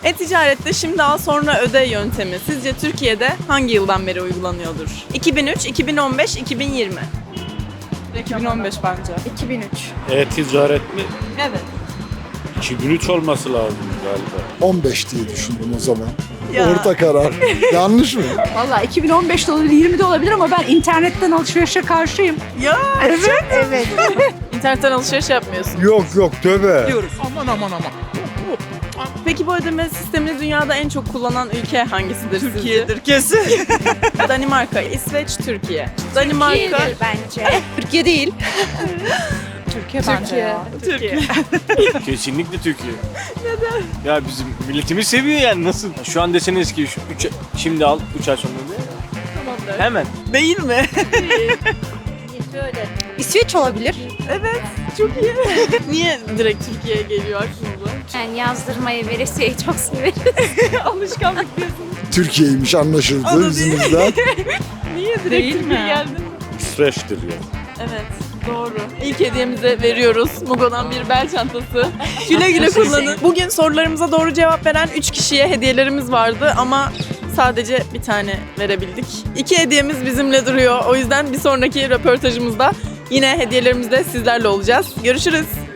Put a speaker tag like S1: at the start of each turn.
S1: E-ticarette şimdi al sonra öde yöntemi sizce Türkiye'de hangi yıldan beri uygulanıyordur? 2003, 2015, 2020. 2015 bence.
S2: 2003.
S3: E-ticaret mi?
S1: Evet.
S3: 2003 olması lazım galiba.
S4: 15 diye düşündüm o zaman.
S1: Ya.
S4: Orta karar. Yanlış mı?
S2: Valla 2015'te olabilir, 20'de olabilir ama ben internetten alışverişe karşıyım.
S1: Ya
S2: Evet. Evet.
S1: internetten alışveriş yapmıyorsun.
S4: Yok tövbe.
S1: Peki bu ödeme sistemini dünyada en çok kullanan ülke hangisidir
S5: Türkiye'dir kesin.
S1: sizce? Danimarka, İsveç, Türkiye. Danimarka,
S2: bence. Türkiye değil. Türkiye bence ya.
S1: Türkiye.
S3: Kesinlikle Türkiye. Neden? Ya bizim milletimiz seviyor yani nasıl? Şu an deseniz ki şimdi al 3 ay sonra ne?
S1: Tamamdır.
S3: Hemen.
S5: Değil mi?
S2: İsveç olabilir.
S1: Evet, çok iyi. Niye direkt Türkiye'ye geliyor aklınıza?
S6: Yani yazdırmayı, veresiyeyi çok severiz.
S1: Alışkanlık diyorsun.
S4: Türkiye'ymiş anlaşıldı
S1: Anladım.
S4: yüzümüzden.
S1: Niye direkt
S2: Değil
S1: Türkiye'ye
S2: mi?
S1: geldin?
S3: İsveç'tir ya.
S1: Evet, doğru. İlk hediyemize veriyoruz. Mugo'dan bir bel çantası. Güle güle kullanın. Bugün sorularımıza doğru cevap veren 3 kişiye hediyelerimiz vardı ama sadece bir tane verebildik. 2 hediyemiz bizimle duruyor. O yüzden bir sonraki röportajımızda yine hediyelerimizle sizlerle olacağız. Görüşürüz.